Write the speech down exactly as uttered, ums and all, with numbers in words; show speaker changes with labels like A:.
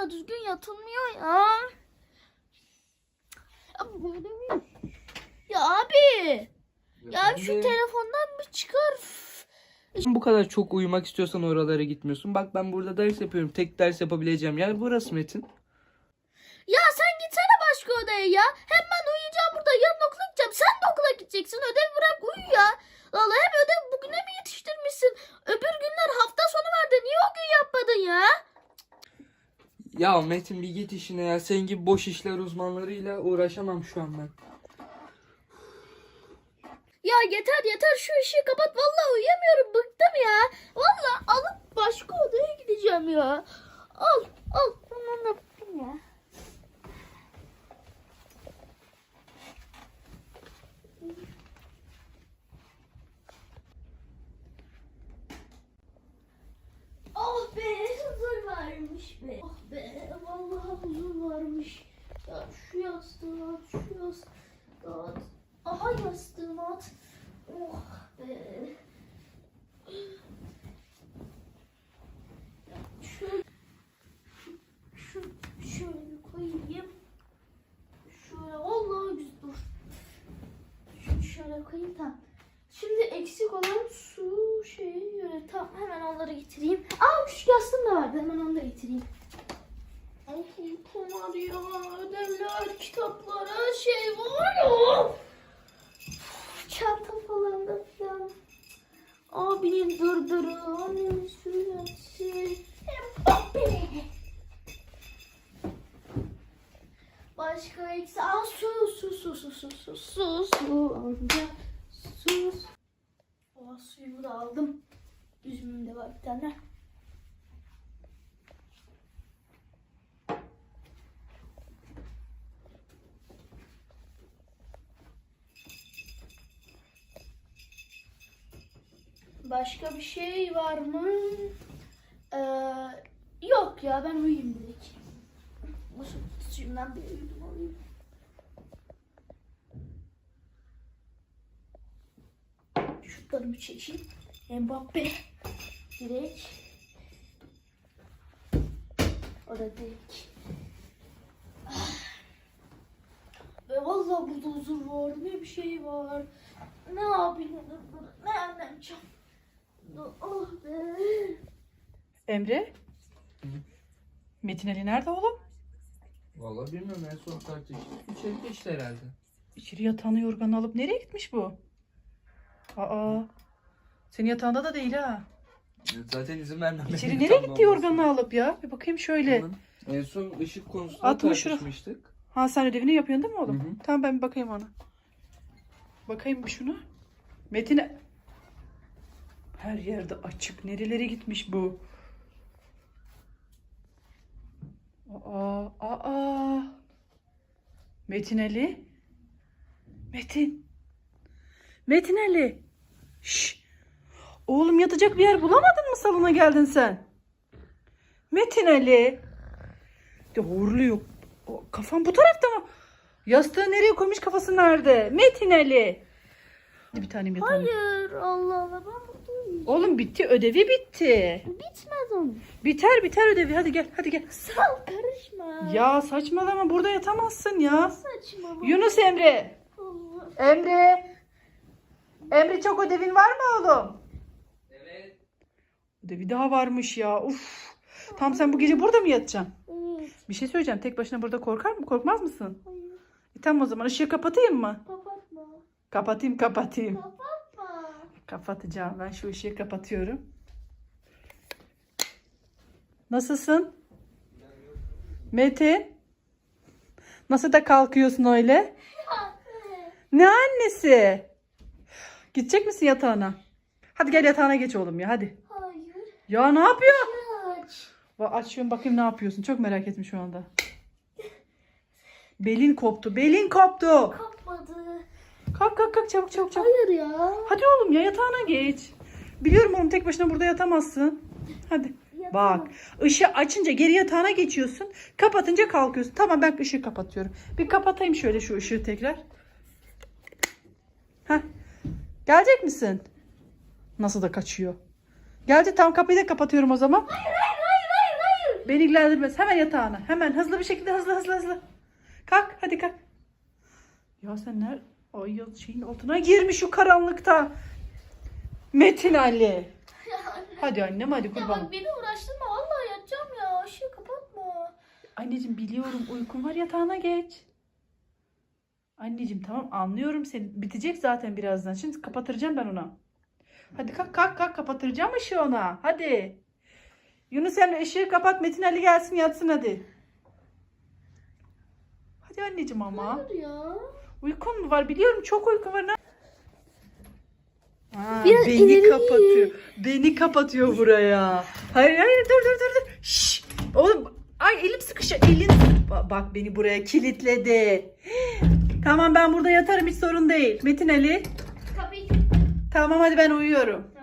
A: ya, düzgün yatılmıyor ya. Ya abi. Ya şu telefondan mı çıkar?
B: Bu kadar çok uyumak istiyorsan oralara gitmiyorsun. Bak ben burada ders yapıyorum. Tek ders yapabileceğim yer burası Metin.
A: Ya sen gitsene başka odaya ya. Hem ben uyuyacağım burada. Yarın okula gideceğim. Sen de okula gideceksin. Ödev bırak uyu ya. Vallahi hem ödev bugüne mi yetiştirmişsin? Öbür günler hafta sonu vardı. Niye o gün yapmadın ya?
B: Ya Metin bir git işine ya. Senin gibi boş işler uzmanlarıyla uğraşamam şu an ben.
A: Ya yeter yeter, şu ışığı kapat. Vallahi uyuyamıyorum. Bıktım ya. Vallahi alıp başka odaya gideceğim ya. Al al. Tamam yaptım ya. Oh be, huzur varmış be. Oh be, vallahi huzur varmış. Ya şu yastığı at, şu yastığı at. Aha yastığımı at. Oh be. Ya şöyle, şu, şöyle koyayım. Şöyle, vallahi güzel dur. Şunu şöyle koyayım, tamam. Şimdi eksik olan su şeyi öyle, tamam, hemen onları getireyim. Aa, şu yastığım da vardı, hemen onu da getireyim. Ay uykum var ya, ödevler, kitaplar, her şey var ya. Çantam falan da falan. Abinin dırdırı, annemin sürüntüsü. Başka eksik. Aa, su su su su su su su su alacağım. Su. O suyumu da aldım. Üzümüm de var bir tane. Başka bir şey var mı? Ee, yok ya, ben uyuyayım direkt. Nasıl suyumdan bir uyudum alayım. Şutlarımı çekeyim. Mbappe direkt. O da direkt. Ve vallahi burada huzur var. Ne bir şey var. Ne yapayım? Ne anlayacağım? Oh be.
C: Emre?
B: Hı?
C: Metin Ali nerede oğlum?
B: Vallahi bilmiyorum, en son tartıştık. İçeri geçti herhalde.
C: İçeri yatağını yorganı alıp nereye gitmiş bu? Aa. Senin yatağında da değil ha.
B: Zaten izin vermem.
C: İçeri nereye gitti yorganı alıp ya? Bir bakayım şöyle.
B: En son ışık konusunda
C: Atma şunu.
B: tartışmıştık.
C: Ha, sen ödevini yapıyorsun değil mi oğlum?
B: Hı hı.
C: Tamam, ben bir bakayım ona. Bakayım bir şuna. Metin'e. Her yerde açık. Nerelere gitmiş bu? Aa, aa. Metin Ali. Metin. Metin Ali. Şş. Oğlum, yatacak bir yer bulamadın mı salona geldin sen? Metin Ali. De horluyor. O, kafam bu tarafta mı? Yastığı nereye koymuş, kafası nerede? Metin Ali. Bir tanem yatağım.
A: Hayır, Allah Allah, ben burada uyuyacağım.
C: Oğlum bitti, ödevi bitti.
A: Bitmez onun.
C: Biter biter ödevi, hadi gel hadi gel.
A: Sal, karışma.
C: Ya saçmalama, burada yatamazsın ya.
A: Saçma.
C: Yunus Emre.
A: Allah.
C: Emre. Emre, çok ödevin var mı oğlum?
B: Evet.
C: Ödevi daha varmış ya. Uf. Tam sen bu gece burada mı yatacaksın?
A: Evet.
C: Bir şey söyleyeceğim. Tek başına burada korkar mı? Korkmaz mısın?
A: Hayır.
C: E, tamam, o zaman ışığı kapatayım mı?
A: Kapatma.
C: Kapatayım kapatayım.
A: Kapatma.
C: Kapatacağım. Ben şu ışığı kapatıyorum. Nasılsın? Metin? Nasıl da kalkıyorsun öyle? Ne annesi? Gidecek misin yatağına? Hadi gel yatağına geç oğlum ya, hadi.
A: Hayır.
C: Ya ne yapıyor?
A: Aç.
C: Va- Açıyorum bakayım ne yapıyorsun. Çok merak ettim şu anda. Belin koptu. Belin koptu.
A: Kapmadı.
C: Kalk kalk kalk, çabuk çabuk çabuk.
A: Hayır ya.
C: Hadi oğlum ya, yatağına geç. Biliyorum oğlum, tek başına burada yatamazsın. Hadi.
A: Yatamam.
C: Bak, ışığı açınca geri yatağına geçiyorsun. Kapatınca kalkıyorsun. Tamam, ben ışığı kapatıyorum. Bir kapatayım şöyle şu ışığı tekrar. Heh. Gelecek misin? Nasıl da kaçıyor. Geldi, tam kapıyı da kapatıyorum o zaman.
A: Hayır hayır hayır hayır hayır.
C: Beni ilgilendirmez. Hemen yatağına. Hemen hızlı bir şekilde hızlı hızlı hızlı. Kalk hadi kalk. Ya sen nerede? Ay ya şeyin altına girmiş şu karanlıkta. Metin Ali.
A: Ya anne.
C: Hadi annem hadi
A: Ya
C: kurban.
A: bak beni uğraştırma. Vallahi yatacağım ya. Işığı kapatma.
C: Anneciğim biliyorum uykun var yatağına geç. Anneciğim tamam anlıyorum seni. Bitecek zaten birazdan. Şimdi kapatıracağım ben ona. Hadi kalk kalk kalk kapatıracağım ışığı ona. Hadi. Yunus sen ışığı kapat Metin Ali gelsin yatsın hadi. Hadi anneciğim ama.
A: Hayır ya.
C: Uykun mu var? Biliyorum çok uyku var. Ne- Aa,
A: Biraz
C: beni
A: ileri.
C: kapatıyor. Beni kapatıyor buraya. Hayır hayır dur dur dur dur. Şşş. Oğlum ay elim sıkışıyor. Elin Ba- bak beni buraya kilitledi. Tamam ben burada yatarım hiç sorun değil. Metin Ali.
A: Kapıyı
C: Tamam hadi ben uyuyorum.
A: Tamam.